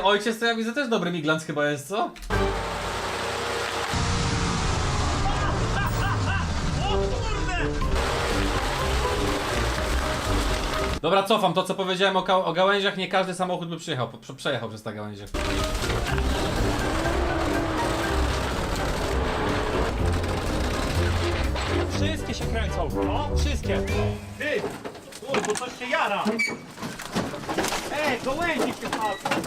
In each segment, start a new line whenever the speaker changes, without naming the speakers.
ojciec to ja widzę też dobry miglans chyba jest, co? Dobra, cofam to co powiedziałem o gałęziach, nie każdy samochód by przejechał przez te gałęzie.
Wszystkie się kręcą, no, wszystkie. Ty, bo coś się jara. Ej, gołęzi się palą.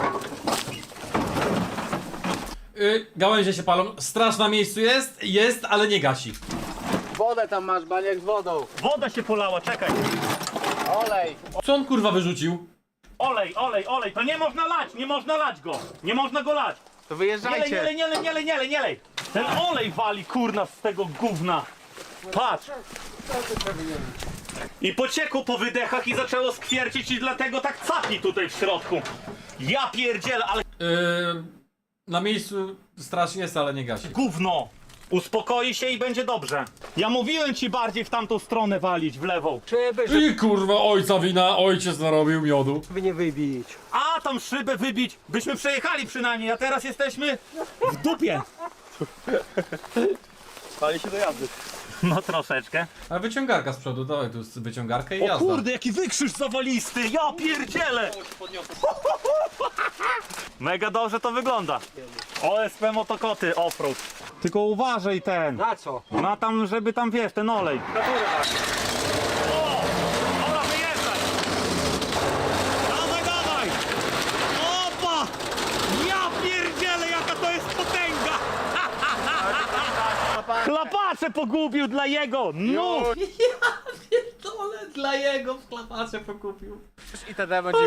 Gałęzie się palą, straż na miejscu jest, ale nie gasi.
Wodę tam masz, baniak z wodą.
Woda się polała, czekaj.
Olej.
Co on kurwa wyrzucił?
Olej, to nie można lać, nie można lać go. Nie można go lać.
To
Nie
wyjeżdżajcie.
lej. Ten olej wali kurna z tego gówna. Patrz. I pociekło po wydechach i zaczęło skwiercić i dlatego tak capi tutaj w środku. Ja pierdzielę, ale
Na miejscu straż jest, ale nie gasi.
gówno. Uspokoi się i będzie dobrze. Ja mówiłem ci bardziej w tamtą stronę walić, w lewą.
I kurwa, ojca wina, ojciec narobił miodu.
Żeby nie wybić.
A tam szybę wybić, byśmy przejechali przynajmniej, a teraz jesteśmy w dupie.
Pali się do jazdy.
No troszeczkę.
A wyciągarka z przodu, dawaj tu jest wyciągarkę i
O
jazda.
kurde, jaki wykrzyż zawalisty, ja pierdzielę. Mega dobrze to wygląda. OSP motokoty offroad. Tylko uważaj ten.
Na co?
Na tam, żeby tam wiesz, ten olej. O! Dobra, wyjeżdżaj! Dawaj! Opa! Ja pierdzielę, jaka to jest potęga! Chlapacze pogubił dla jego! No!
Pierdolę, dla jego w klapacie pokupił.
I wtedy będzie